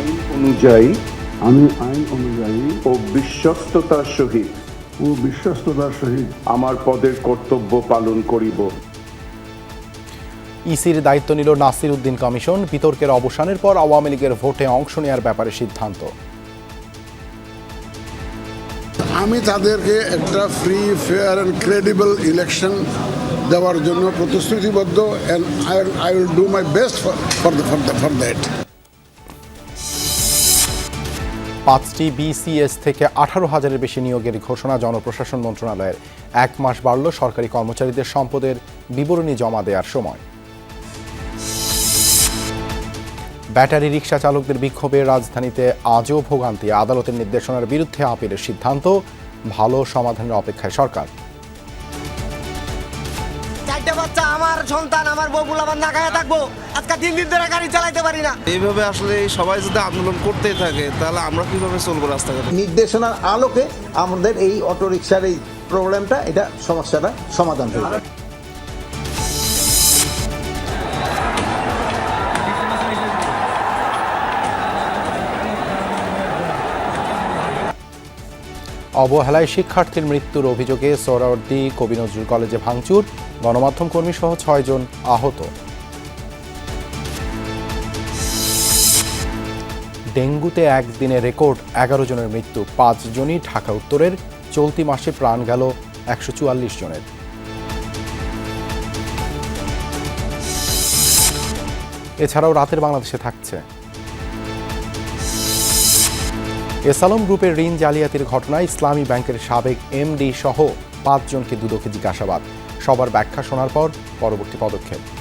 আমি আইন অনুযায়ী ও বিশ্বস্ততার সহিত আমার পদের কর্তব্য পালন করিব। ইসির দায়িত্ব নিল নাসির উদ্দিন কমিশন। বিতর্কের অবসানের পর আওয়ামী লীগের ভোটে অংশ নেওয়ার ব্যাপারে সিদ্ধান্ত। আমি তাদেরকে একটা free, fair and credible election দেওয়ার জন্য প্রতিশ্রুতিবদ্ধ, and I will do my best for that. 5টি বিসিএস থেকে 18,000-এর বেশি নিয়োগের ঘোষণা জনপ্রশাসন মন্ত্রণালয়ের। 1 মাস বাড়ল সরকারি কর্মচারীদের সম্পদের বিবরণী জমা দেওয়ার সময়। ব্যাটারি রিকশা চালকদের বিক্ষোভে রাজধানীতে আজও ভোগান্তি। আদালতের নির্দেশনার বিরুদ্ধে আপিলের সিদ্ধান্ত। ভালো সমাধানের অপেক্ষায় সরকার। চারটে বাচ্চা, আমার সন্তান, আমার বউগুলো আমার না খায় থাকবো। আজকে 3 দিন ধরে গাড়ি চালাইতে পারি না। এইভাবে আসলে সবাই যদি আন্দোলন করতেই থাকে তাহলে আমরা কিভাবে চলবো রাস্তাঘাটে? নির্দেশনার আলোকে আমাদের এই অটোরিকশার এই প্রবলেমটা, এটা সমস্যাটা সমাধান হবে। অবহেলায় শিক্ষার্থীর মৃত্যুর অভিযোগে সোহরাওয়ার্দী কবি নজরুল কলেজে ভাঙচুর। গণমাধ্যম কর্মী সহ 6 জন আহত। ডেঙ্গুতে একদিনে রেকর্ড 11 জনের মৃত্যু। 5 জনই ঢাকা উত্তরের। চলতি মাসে প্রাণ গেল 144 জনের। এছাড়াও রাতের বাংলাদেশে থাকছে এসালম গ্রুপের ঋণ জালিয়াতির ঘটনায় ইসলামী ব্যাংকের সাবেক এমডি সহ 5 জনকে দুদকে জিজ্ঞাসাবাদ। সবার ব্যাখ্যা শোনার পর পরবর্তী পদক্ষেপ।